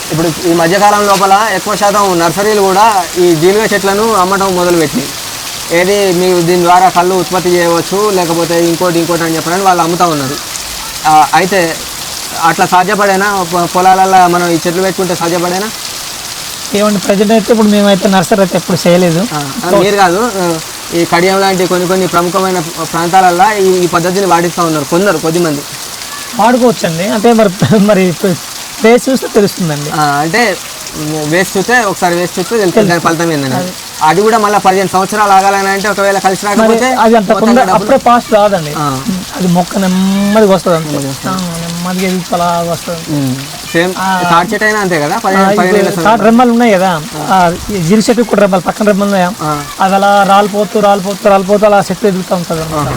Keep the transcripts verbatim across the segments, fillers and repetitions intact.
ఇప్పుడు ఈ మధ్యకాలం లోపల ఎక్కువ శాతం నర్సరీలు కూడా ఈ జీలుగ చెట్లను అమ్మటం మొదలుపెట్టినాయి. ఏది మీరు దీని ద్వారా కళ్ళు ఉత్పత్తి చేయవచ్చు, లేకపోతే ఇంకోటి ఇంకోటి అని చెప్పని వాళ్ళు అమ్ముతూ ఉన్నారు. అయితే అట్లా సాధ్యపడేనా పొలాలలో మనం ఈ చెట్లు పెట్టుకుంటే సాధ్యపడేనా? ఏమంటే ప్రజెంట్ అయితే ఇప్పుడు మేమైతే నర్సరీ అయితే ఎప్పుడు చేయలేదు. మీరు కాదు, ఈ కడియం లాంటి కొన్ని కొన్ని ప్రముఖమైన ప్రాంతాలల్లో ఈ పద్ధతిని పాటిస్తూ ఉన్నారు కొందరు, కొద్దిమంది. వాడుకోవచ్చండి, అంటే మరి మరి వేసి చూస్తే తెలుస్తుందండి. అంటే వేసి చూస్తే ఒకసారి వేసి చూస్తే తెలుస్తుంది దాని ఫలితం ఏంటంటే. అది కూడా మళ్ళీ పదిహేను సంవత్సరాలు ఆగాలని అంటే ఒకవేళ కలిసి రాకపోతే అది అంత అప్పుడే ఫాస్ట్ రాదండి. అది మొక్క నెమ్మదిగా వస్తుంది, నెమ్మదిగా అలా వస్తుంది. సేమ్ తాటి చెట్టు అయినా అంతే కదా, రెమ్మలు ఉన్నాయి కదా, జీరి చెట్టు కూడా రెమ్మలు పక్కన రెమ్మలు ఉన్నాయా, అది అలా రాలిపోతూ రాలిపోతూ రాలిపోతూ అలా చెట్టు ఎదుగుతూ ఉంటుంది అన్నమాట.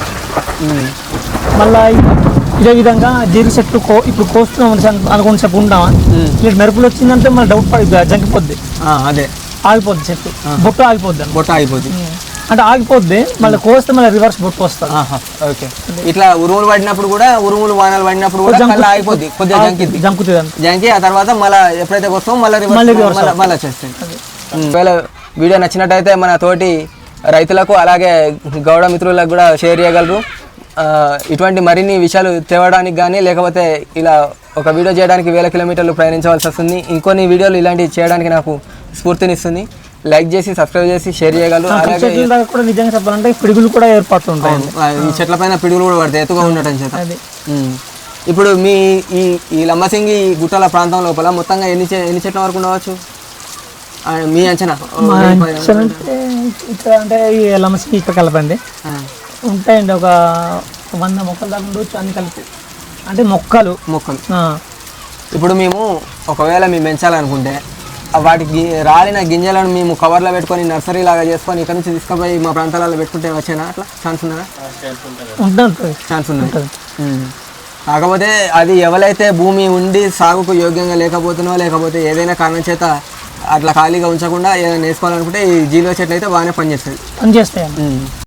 మళ్ళీ ఇదే విధంగా జీరి చెట్లు కో ఇప్పుడు కోస్తున్నాం అనుకుని చెప్పు ఉంటామా, ఇట్లా మెరుపులు వచ్చిందంటే మళ్ళీ డౌట్ పడి జంకిపోద్ది, అదే ఆగిపోద్ది చెట్టు, బొట్టు ఆగిపోద్ది, బొట్ట ఆగిపోద్ది అంటే ఆగిపోద్ది. మళ్ళీ కోస్తే మళ్ళీ రివర్స్ బొట్టు వస్తుంది. ఓకే, ఇట్లా ఉరుములు పడినప్పుడు కూడా, ఉరుములు వానలు పడినప్పుడు కూడా ఆగిపోద్ది, కొద్దిగా జంకిద్ది, జంకుతుంది జంకి ఆ తర్వాత మళ్ళీ ఎప్పుడైతే వస్తామో మళ్ళీ రివర్స్ మళ్ళీ వచ్చేస్తుంది. ఒకవేళ వీడియో నచ్చినట్టయితే మన తోటి రైతులకు అలాగే గౌడ మిత్రులకు కూడా షేర్ చేయగలరు. ఇటువంటి మరిన్ని విషయాలు తేవడానికి కానీ, లేకపోతే ఇలా ఒక వీడియో చేయడానికి వేల కిలోమీటర్లు ప్రయాణించవలసి వస్తుంది. ఇంకొన్ని వీడియోలు ఇలాంటివి చేయడానికి నాకు స్ఫూర్తినిస్తుంది. లైక్ చేసి సబ్స్క్రైబ్ చేసి షేర్ చేయగలరు. అలాగే కూడా నిజంగా చెప్పాలంటే పిడుగులు కూడా ఏర్పడుతుంటాయి, ఈ చెట్ల పైన పిడుగులు కూడా పడతాయి ఎత్తుగా ఉండటం చేత. ఇప్పుడు మీ ఈ ఈ లంబసింగి గుట్టల ప్రాంతం లోపల మొత్తంగా ఎన్ని ఎన్ని చెట్ల వరకు ఉండవచ్చు మీ అంచనా? ఇక్కడ అంటే ఈ లంబసింగి ఇక్కడ కలపండి ఉంటాయండి, ఒక వంద మొక్కలు దాకా ఉండొచ్చు అన్ని కలిపి, అంటే మొక్కలు మొక్కలు. ఇప్పుడు మేము ఒకవేళ మేము పెంచాలనుకుంటే వాటికి రాలిన గింజలను మేము కవర్లో పెట్టుకొని నర్సరీ లాగా చేసుకొని ఇక్కడ నుంచి తీసుకుపోయి మా ప్రాంతాలలో పెట్టుకుంటే వచ్చేనా? అట్లా ఛాన్స్ ఉందా? ఉంటుంది, ఛాన్స్ ఉంది. కాకపోతే అది ఎవరైతే భూమి ఉండి సాగుకు యోగ్యంగా లేకపోతున్నో, లేకపోతే ఏదైనా కారణం చేత అట్లా ఖాళీగా ఉంచకుండా ఏదైనా వేసుకోవాలనుకుంటే ఈ జీలుగ చెట్లు అయితే బాగానే పనిచేస్తుంది పనిచేస్తాయి.